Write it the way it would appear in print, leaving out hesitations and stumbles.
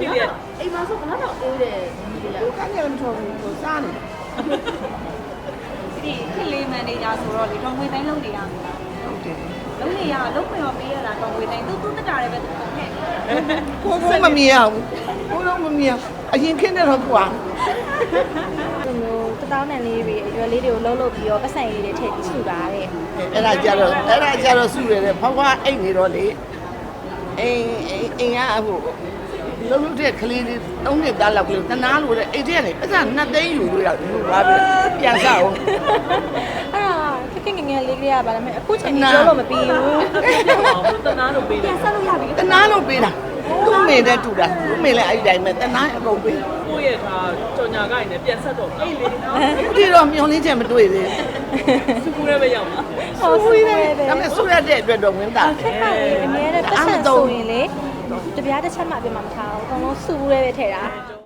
ဖြစ်ရအိမ်မှာဆိုကတော့အေးတယ်ဒီကကိုကနေမထော်ဘူးကိုစားနေဒီခလေးမန်နေဂျာဆိုတော့လေတော်ငွေတိုင်းလုံးနေရမှာဟုတ်တယ်လုံးနေရလုံးခွင့်ရောပေးရတာတော်ငွေတိုင်းသူတက်တာလည်းပဲသူနဲ့ကိုမမြင်ရဘူးကိုတော့မမြင်အရင်ခင်းနေတော့ကွာဒီမျိုးတသောင်းတန်လေးတွေအရွယ်လေးတွေကိုလှုပ်လှုပ်ပြီးတော့ပတ်စံလေးတွေထည့်ပြီးစုတာတဲ့အဲ့ဒါကြတော့စုရတယ်ဖွားဖွားအိတ်နေတော့လေအိမ်ကဟိုလုံးလုံးတဲ့ကလေးလေး၃နှစ်သားလောက်ကလေးတနာလို့တဲ့အိတ်ထဲကနေပတ်စံ2သိန်းယူလို့ရယူပါပြီပြန်စားအောင်အဲ့ဒါခက်ခက်ငယ်ငယ်လေးကလေးကပါလားမယ်အခုချိန်ကြီးပြောလို့မပြီးဘူးတနာလို့ပေးတယ်ဆက်လို့ရပြီတနာလို့ပေးတာသူ့မေနဲ့တူတာသူ့မေလည်းအဲ့ဒီတိုင်းပဲတနာအကုန်ပေးကိုယ့်ရဲ့ဒါကြော်ညာကိုင်းနဲ့ပြန်ဆက်တော့အေးလေနော်ဒီတော့မျောလင်းချက်မတွေ့သေးစကူရဲပဲရောက်မှာဟောဆူရဲတယ်ဒါပေမဲ့ဆူရတဲ့အတွက်တော့ဝင်တာခက်ခက်လေးအများနဲ့ပတ်စံဆိုရင်လေတပြားတစ်ချက်မှအပြတ်မှမထားဘူးအကုန်လုံးစုဘူးရဲပဲထည့်တာ